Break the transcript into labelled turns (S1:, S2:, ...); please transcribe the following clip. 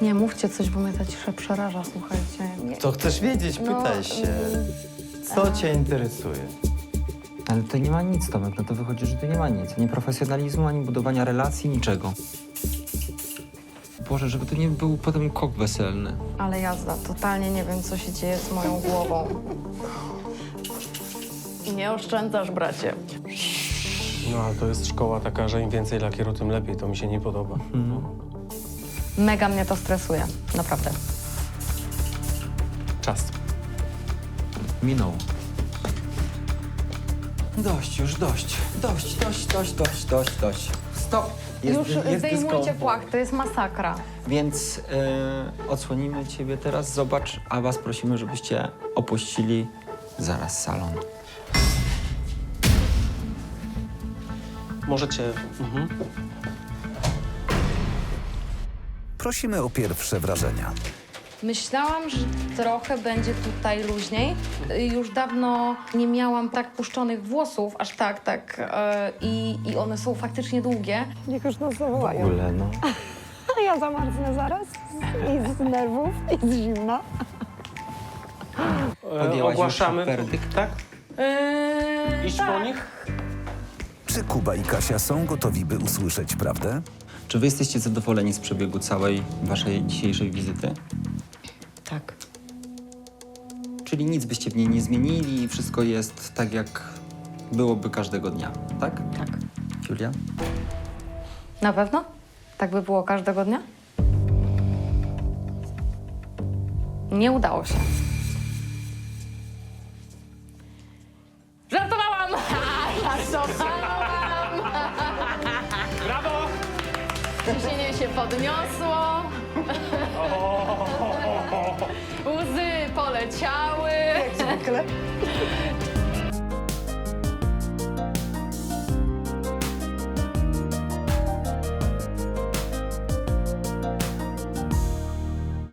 S1: Nie, mówcie coś, bo mnie ta cisza przeraża, słuchajcie. Nie.
S2: Co chcesz wiedzieć? Pytaj się. Co cię interesuje?
S3: Ale tutaj nie ma nic, Tomek. No to wychodzi, że tu nie ma nic. Ani profesjonalizmu, ani budowania relacji, niczego. Boże, żeby to nie był potem kok weselny.
S1: Ale jazda, totalnie nie wiem, co się dzieje z moją głową. Nie oszczędzasz, bracie.
S4: No, ale to jest szkoła taka, że im więcej lakieru, tym lepiej. To mi się nie podoba.
S1: Mega mnie to stresuje, naprawdę.
S4: Czas.
S3: Minął. Dość już, dość. Dość. Stop.
S1: Już zdejmujcie
S3: dyskomfort.
S1: płach, to jest masakra.
S3: Więc odsłonimy ciebie teraz, zobacz, a was prosimy, żebyście opuścili zaraz salon.
S4: Możecie...
S5: Prosimy o pierwsze wrażenia.
S1: Myślałam, że trochę będzie tutaj luźniej. Już dawno nie miałam tak puszczonych włosów, aż tak. I one są faktycznie długie.
S6: Niech już nas
S3: W
S6: zawołają.
S3: ogóle, no.
S6: A ja zamarznę zaraz i z nerwów, i z zimna.
S3: Podjęłaś
S4: Ogłaszamy...
S3: już werdykt?
S4: Tak? Iść po nich?
S5: Czy Kuba i Kasia są gotowi, by usłyszeć prawdę?
S3: Czy wy jesteście zadowoleni z przebiegu całej waszej dzisiejszej wizyty?
S1: Tak.
S3: Czyli nic byście w niej nie zmienili i wszystko jest tak, jak byłoby każdego dnia, tak?
S1: Tak.
S3: Julia?
S1: Na pewno? Tak by było każdego dnia? Nie udało się. Żartowałam! Żartowałam!
S4: Brawo!
S1: Ciśnienie się podniosło. Łzy poleciały.
S6: Jak zwykle.